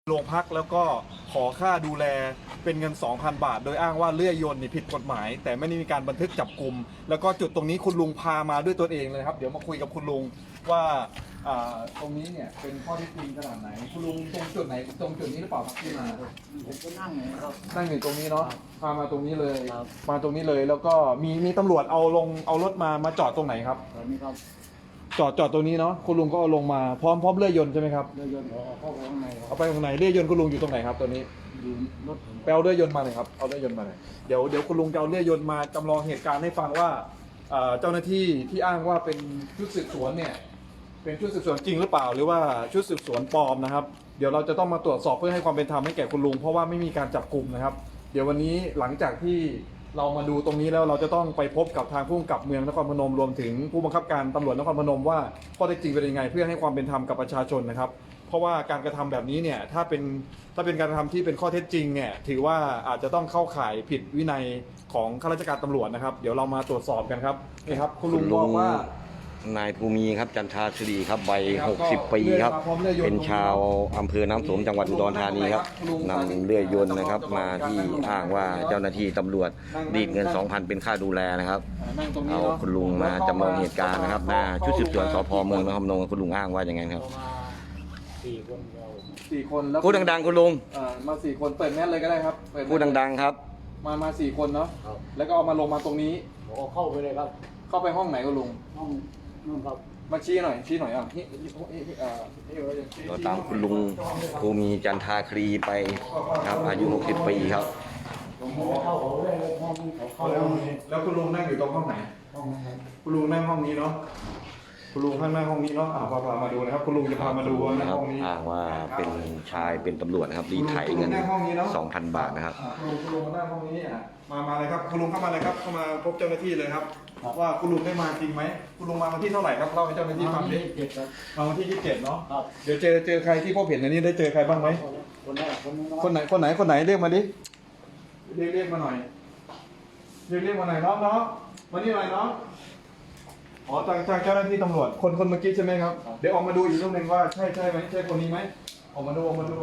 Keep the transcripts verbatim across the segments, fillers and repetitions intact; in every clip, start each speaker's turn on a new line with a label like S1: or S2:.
S1: โรงพักแล้วก็ขอค่าดูแลเป็นเงิน สองพัน บาทโดยอ้างว่าเลื่อยยนต์นี่ผิดกฎหมายแต่ไม่ได้มีการบันทึกจับกลุ่มแล้วก็จุดตรงนี้คุณลุงพามาด้วยตัวเองเลยครับเดี๋ยวมาคุยกับคุณลุงว่าตรงนี้เนี่ยเป็นข้อเท็จจริงขนาดไหนคุณลุงตรงจุดไหนตรงจุดนี้หรือเปล่าครับที่มา
S2: ผมก็นั่งอยู่ครับ
S1: นั่งอยู่ตรงนี้เนาะพามาตรงนี้เลย
S2: ครับ
S1: มาตรงนี้เลยแล้วก็มีมีตำรวจเอาลงเอารถมามาจอดตรงไหนครับ
S2: ตอนนี้ครับ
S1: จอดจอดตรงนี้เนาะคุณลุงก็เอาลงมาพร้อมพร้อมเลื่อยยนต์ใช่ไหมครับ
S2: เรือยนต์เอาเข้าไปข้างในครั
S1: เอา
S2: บ
S1: ไปตรงไหนเลื่อยยนต์คุณลุงอยู่ตรงไหนครับตัวนี้
S2: อยู่รถผม
S1: ไปเอาเลื่อยยนต์มาเลยครับเอาเลื่อยยนต์มาเลยเดี๋ยวเดี๋ยวคุณลุงจะเอาเลื่อยยนต์มาจำลองเหตุการณ์ให้ฟังว่าเอ่อเจ้าหน้าที่ที่อ้างว่าเป็นชุดสืบสวนเนี่ยเป็นชุดสืบสวนจริงหรือเปล่าหรือว่าชุดสืบสวนปลอมนะครับเดี๋ยวเราจะต้องมาตรวจสอบเพื่อให้ความเป็นธรรมให้แก่คุณลุงเพราะว่าไม่มีการจับกลุ่มนะครับเดี๋ยววันนี้หลังจากที่เรามาดูตรงนี้แล้วเราจะต้องไปพบกับทางผู้กำกับเมืองนครพนมรวมถึงผู้บังคับการตำรวจนครพนมว่าข้อเท็จจริงเป็นยังไงเพื่อให้ความเป็นธรรมกับประชาชนนะครับเพราะว่าการกระทำแบบนี้เนี่ยถ้าเป็นถ้าเป็นการกระทำที่เป็นข้อเท็จจริงเนี่ยถือว่าอาจจะต้องเข้าข่ายผิดวินัยของข้าราชการตำรวจนะครับเดี๋ยวเรามาตรวจสอบกันครับนี่ครับคุณลุงบอกว่
S3: านายภูมิครับจันทาสิริครับวัยหกสิบปีครับเป็นชาวอำเภอน้ำสมจังหวัดอุดรธานีครับนำเลื่อยยนต์นะครับมาที่อ้างว่าเจ้าหน้าที่ตำรวจรีดเงิน สองพัน เป็นค่าดูแลนะครับเอาคุณลุงมาจำลองเหตุการณ์นะครับหน้าชุดสืบสวนสพเมืองนครพนมคุณลุงอ้างว่าอย่างไงครับ
S2: สี่คนเรา
S1: สี่คนแล้ว
S3: พูดดังๆคุณลุง
S1: มาสี่คนเปิดแมสเลยก็ได้ครับ
S3: พูดดังๆครับ
S1: มามาสี่คนเนาะแล้วก็เอามาลงมาตรงนี้
S2: ผมเข้าไปเลยครับ
S1: เข้าไปห้องไหนคุณลุง
S2: ห้องนู่นครับ
S1: มาชี้หน่อยชี้หน่อยอ่ะ
S3: เราตามคุณลุงภูมิจันทาครีไปครับอายุหกสิบปีครับ
S2: ผมไม่เข้าเขาเลยห้องนี้เขาเข้า
S1: แล้วแล้วคุณลุงนั่งอยู่ตรงห้องไหน
S2: ห้องนั้น
S1: คุณลุงนั่งห้องนี้เนาะคุณลุงข้างหน้าห้องนี้เนาะอ่าพาพามาดูนะครับคุณลุงจะพามาดูนะห้องนี้
S3: อ้างว่าเป็นชายเป็นตำรวจนะครับรีดไถเงิน สองพัน บาทนะครับ
S1: คุณลุงคุณลุงนั่งห้องนี้อ่ะมามาเลยครับคุณลุงเข้ามาเลยครับเข้ามาพบเจ้าหน้าที่เลยครับว่าคุณลุงได้มาจริงไหมคุณลุงมาวันที่เท่าไหร่ครับเล่าให้เจ้าหน้าที่ฟังดิมาวันที่ยี่สิบเจ็ดเนาะเดี๋ยวเจอเจอใครที่พบเห็นในนี้ได้เจอใครบ้างไหม
S2: คนแรก
S1: คนไหนคนไหนคนไหนเรียกมาดิเรียกเรียกมาหน่อยเรียกเรียกมาหน่อยน้องน้องมานี่หน่อยน้องอ๋อจากจากเจ้าหน้าที่ตำรวจคนคนเมื่อกี้ใช่ไหมครับเดี๋ยวออกมาดูอีกรูปหนึ่งว่าใช่ใช่ไหมใช่คนนี้ไหมออกมาดูออกมาดู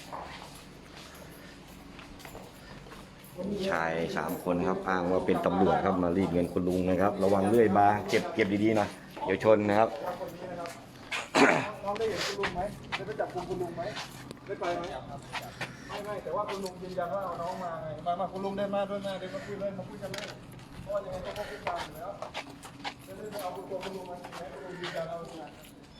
S3: ชายสามคนครับอ้างว่าเป็นตำรวจครับมารีดเงินคุณลุงนะครับระวังเลื่อยบาเก็บเก็บดีๆนะเดี๋ยวชนนะครับ
S1: น้องได้เห็นคุณลุงไหมได้ไปจับกุมคุณลุงไหมได้ไปไหมไม่ไม่แต่ว่าคุณลุงยืนยันว่าเอาน้องมาไงมามาคุณลุงได้มาด้วยนะเดี๋ยวมาคุยเลยมาคุยกันเลยเพราะว่ายังไงก็ต้องคุยกันอยู่แล้วจะได้เอาตัวคุณลุงมาจริงไหมคุณลุงยืนยันเอาจริง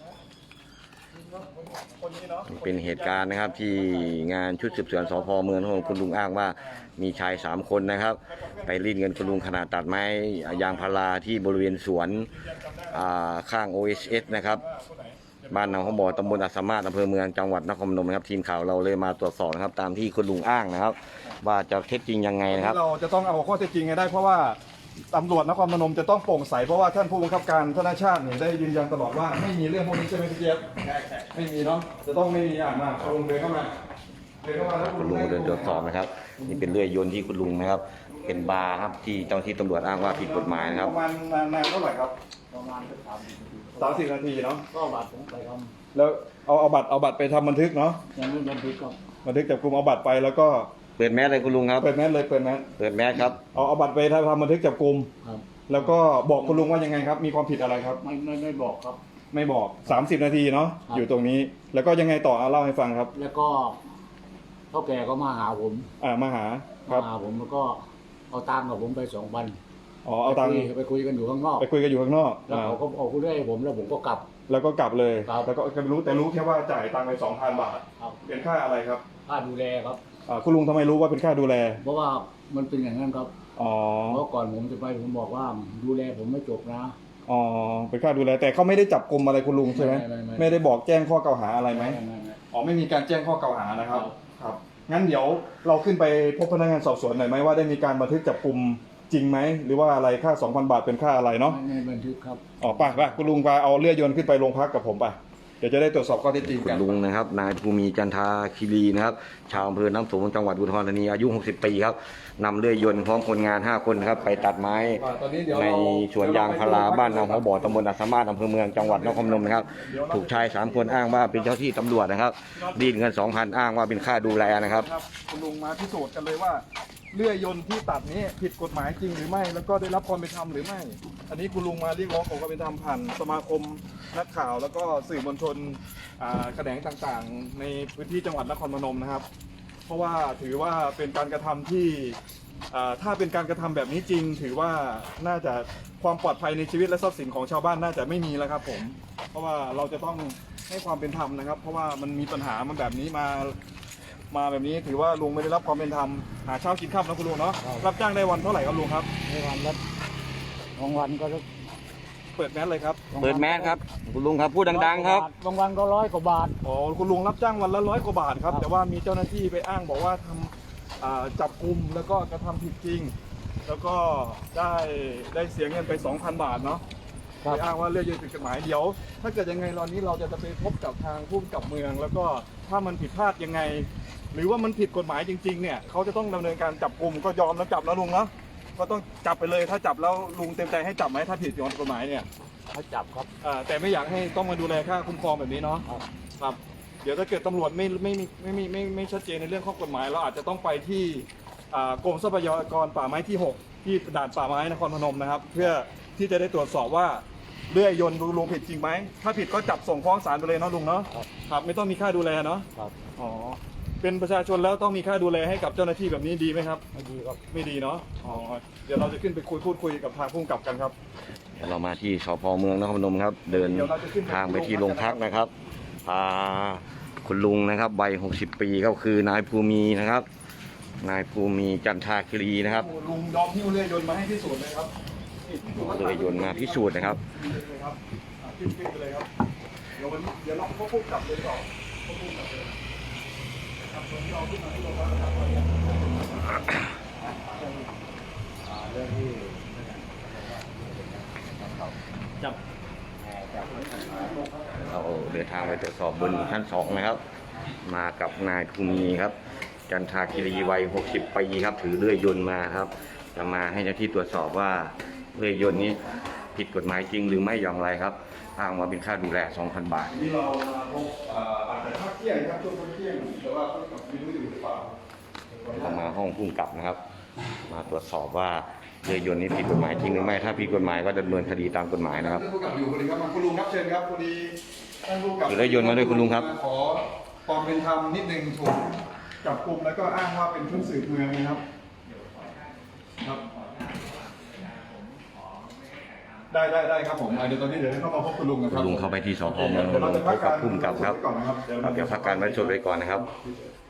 S3: เป็นเหตุการณ์นะครับที่งานชุดสืบสวนสพเมืองของคุณลุงอ้างว่ามีชายสามคนนะครับไปรีดเงินคุณลุงขนาดตัดไม้ยางพาราที่บริเวณสวนข้าง โอ เอส เอส นะครับบ้านหนองข้าวบ่อตำบลอัสสามารถอำเภอเมืองจังหวัดนครพนมนะครับทีมข่าวเราเลยมาตรวจสอบนะครับตามที่คุณลุงอ้างนะครับว่าจะเท็จจริงยังไงนะครับ
S1: เราจะต้องเอาข้อเท็จจริงได้เพราะว่าตำรวจนครพนมจะต้องโปร่งใสเพราะว่าท่านผู้บังคับการธนาชาติเนี่ยได้ยืนยันตลอดว่าไม่มีเรื่องพวกนี้ใช่ไหมพี่เจี๊ยบไม่มีเนาะจะต้องไม่มีอ่านมาคุณลุงเดินเข้ามาเดินเข้ามาแล้ว
S3: คุณลุงเดินตรวจสอบนะครับนี่เป็นเลื่อยยนต์ที่คุณลุงนะครับเป็นบาร์ครับที่เจ้าหน้าที่ตำรวจอ้างว่าผิดกฎหมายนะครับ
S1: ประมาณนานเท่าไหร่ครับ
S2: ประมาณสามสิบนาที
S1: สามสิบนาทีเนาะ
S2: ก็บัตรผมไปท
S1: ำแล้วเอาเอาบัตรเอาบัตรไปทำบันทึกเนาะ
S2: ยังไม่บันทึกก็
S1: บันทึกจับกุมเอาบัตรไปแล้วก็
S3: เปิดแมสเลยคุณลุงครับ
S1: เปิดแมสเลยเปิดแมส
S3: เปิดแมสครับ
S1: เอาเอาบัตรไปทำบันทึกจับกุมแล้วก็บอกคุณลุงว่ายังไงครับมีความผิดอะไรครับ
S2: ไม่ไม่ไม่บอกครับ
S1: ไม่บอกสามสิบนาทีเนาะอยู่ตรงนี้แล้วก็ยังไงต่อเอาเล่าให้ฟังครับ
S2: แล้วก็เท่าแก่ก็มาหาผม
S1: อ่ามาหา
S2: ครับมาหาผมแล้วก็เอาตังค์กับผมไปสองพัน
S1: อ๋อเอาตังค์
S2: ไปคุยกันอยู่ข้างนอก
S1: ไปคุยกันอยู่ข้างนอก
S2: แล้วเขาก็เอาคุยให้ผมแล้วผมก็กลับ
S1: แล้วก็กลับเลยแล้วก็รู้แต่รู้แค่ว่าจ่ายตังค์ไปสองพันบาทเป็นค่าอะไรครับ
S2: ค่าดูแลครับ
S1: คุณลุงทำไมรู้ว่าเป็นค่าดูแล
S2: เพราะว่ามันเป็นอย่างนั้นครับ
S1: อ๋อ
S2: เพราะก่อนผมจะไปผมบอกว่าดูแลผมไม่จบนะ
S1: อ๋อเป็นค่าดูแลแต่เขาไม่ได้จับกุมอะไรคุณลุงใช่ไหมไม่ได้บอกแจ้งข้อกล่าวหาอะไรไหมอ๋อไม่มีการแจ้งข้อกล่าวหานะครับครับงั้นเดี๋ยวเราขึ้นไปพบพนักงานสอบสวนหน่อยไหมว่าได้มีการบันทึกจับกุมจริงไหมหรือว่าอะไรค่า สองพัน บาทเป็นค่าอะไรเนาะ
S2: ไม่บันทึกครับ
S1: อ๋อป่ะป่ะคุณลุงไปเอาเลื่อยยนต์ขึ้นไปโรงพักกับผมป่ะเดี๋ยวจะได้ตรวจสอบข้อเท็จจริง
S3: คุ
S1: กั
S3: ณ
S1: น
S3: ลุงนะครับนายภูมิจันทาคีรีนะครับชาวอำเภอน้ำสมจังหวัดอุดรธานีอายุหกสิบปีครับนำเลื่อยยนต์พร้อมคนงานห้าคนครับไปตัดไม้
S1: ตอนนี้เดี๋ยว
S3: ใน
S1: เรา
S3: สวนยางพาราบ้านหนองหัวบ่อตำบลอัสสามารถอำเภอเมืองจังหวัดนครพนมนะครับถูกชายสามคนอ้างว่าเป็นเจ้าที่ตำรวจนะครับรีดเงินสองพันอ้างว่าเป็นค่าดูแลนะครับ
S1: ครับคุณลุงมาพิสูจน์กันเลยว่าเลื่อยยนต์ที่ตัดนี้ผิดกฎหมายจริงหรือไม่ แล้วก็ได้รับความเป็นธรรมหรือไม่ อันนี้คุณลุงมาเรียกร้องขอความเป็นธรรมผ่านสมาคมนักข่าวแล้วก็สื่อมวลชนอ่าแขนงต่างๆ ในพื้นที่จังหวัดนครพนมนะครับ เพราะว่าถือว่าเป็นการกระทำที่อ่าถ้าเป็นการกระทำแบบนี้จริง ถือว่าน่าจะความปลอดภัยในชีวิตและทรัพย์สินของชาวบ้านน่าจะไม่มีแล้วครับผม เพราะว่าเราจะต้องให้ความเป็นธรรมนะครับ เพราะว่ามันมีปัญหามันแบบนี้มา มาแบบนี้ถือว่าลุงไม่ได้รับความเป็นธรรมหาเช้ากินข้าวนะคุณลุงเนาะรับจ้างได้วันเท่าไหร่ครับลุงครับ
S2: ในวันละบางวันก็
S1: เปิดแมสเลยครับ
S3: เปิดแมสครับคุณลุงครับพูดดังๆครับ
S2: บางวันก็ร้อยกว่าบาท
S1: อ๋อคุณลุงรับจ้างวันละร้อยกว่าบาทครับแต่ว่ามีเจ้าหน้าที่ไปอ้างบอกว่าทำอ่าจับกลุ่มแล้วก็กระทำผิดจริง แล้วก็ได้ได้เสียเงินไป สองพัน บาทเนาะ
S2: ครับ
S1: ไปอ้างว่าเรื่องยืนผิดกฎหมายเดี๋ยว ถ้าเกิดยังไงตอนนี้เราจะไปพบกับทางผู้กำกับเมือง แล้วก็ถ้ามันผิดพลาดยังไง หรือว่ามันผิดกฎหมายจริงๆเนี่ยเขาจะต้องดำเนินการจับกลุ่มก็ยอมแล้วจับแล้วลุงเนาะก็ต้องจับไปเลยถ้าจับแล้วลุงเต็มใจให้จับไหมถ้าผิดกฎหมายเนี่ย
S2: เขาจับครับ
S1: อ่าแต่ไม่อยากให้ต้องมาดูแลค่าคุ้มครองแบบนี้เนาะ
S2: ครับ
S1: ครับเดี๋ยวถ้าเกิดตำรวจไม่ไม่ไม่ไม่ไม่ไม่ไม่ชัดเจนในเรื่องข้อกฎหมายเราอาจจะต้องไปที่อ่ากรมทรัพยากรป่าไม้ที่หกที่ด่านป่าไม้นครพนมนะครับ เพื่อที่จะได้ตรวจสอบว่าเลื่อยยนต์ลุงผิดจริงไหมถ้าผิดก็จับส่งฟ้องศาลไปเลยเนาะลุงเนาะ
S2: ครับ
S1: ครับไม่ต้องมีค่าดูแลเนาะ
S2: ครับ
S1: อ๋อเป็นประชาชนแล้วต้องมีค่าดูแลให้กับเจ้าหน้าที่แบบนี้ดีไหมครับ
S2: ไม่ดีครับ
S1: ไม่ดีเนาะอ๋อเดี๋ยวเราจะขึ้นไปคุยพูดคุยกับทางผู้กำกับกันครับ
S3: เดี๋ยวเรามาที่สพเมืองนครพนมครับ เดินทางไปที่โรงพักนะครับพาคุณลุงนะครับวัยหกสิบปีก็คือนายภูมินะครับ นายภูมิจันทาคีรีนะครับ
S1: โอ้ลุงยอมหิ้วเลื่อยยนต์มาให้พิสูจน์เลยครับนี่พิสูจน์ว่า
S3: เลยยนต์มาพิสูจน์นะครับ
S1: เลยครับอ่ะขึ้นขึ้นไปเลยครับเดี๋ยววันนี้เดี๋ยวเราพบผู้กำกับเลยก่อนพบผู้กำกับเลยครับวันนี้เราขึ้นมาที่โรงพักนะครับ
S2: เรื่องที่จับ
S3: เราเดินทางไปตรวจสอบบนชั้นสองนะครับ มากับนายภูมิครับ จันทาคีรีวัยหกสิบปีครับ ถือเลื่อยยนต์มาครับ จะมาให้เจ้าที่ตรวจสอบว่าเลื่อยยนต์นี้ผิดกฎหมายจริงหรือไม่อย่างไรครับอ้างว่าเป็นค่าดูแล สองพัน บาท
S1: นี่เรามาพบอ่าอาจจะพักเที่ยงครับช่วงพักเที่ยงแต่ว่าผู้กำกับไม่รู้อยู่หรือเปล่า
S3: เรามาห้องผู้กำกับนะครับ มาตรวจสอบว่าเรือยนต์นี้ผิดกฎหมายจริงหรือไม่ ถ้าผิดกฎหมายก็ดำเนินคดีตามกฎหมายนะครับ
S1: ท่านผู้กำกับอยู่พอดีครับคุณลุงครับเชิญครับพอดีท่านผู้กำกับ
S3: ถือเลื่อยยนต์มาด้วยคุณลุงครับ
S1: ขอความเป็นธรรมนิดนึงถูกจับกลุ่มแล้วก็อ้างว่าเป็นชุดสืบเมืองนะครับครับ ได้ได้ได้ครับผมอ่ะเดี๋ยวตอนนี้เดี๋ยวเข้ามาพบคุณลุงนะค
S3: คุ
S1: รับ
S3: ณลุงเข้าไปที่สพเมืองนนท์พบกับผู้กำกับครับครับเดี๋ยวพักการไว้ชดไว้ก่อนนะครับ
S1: ค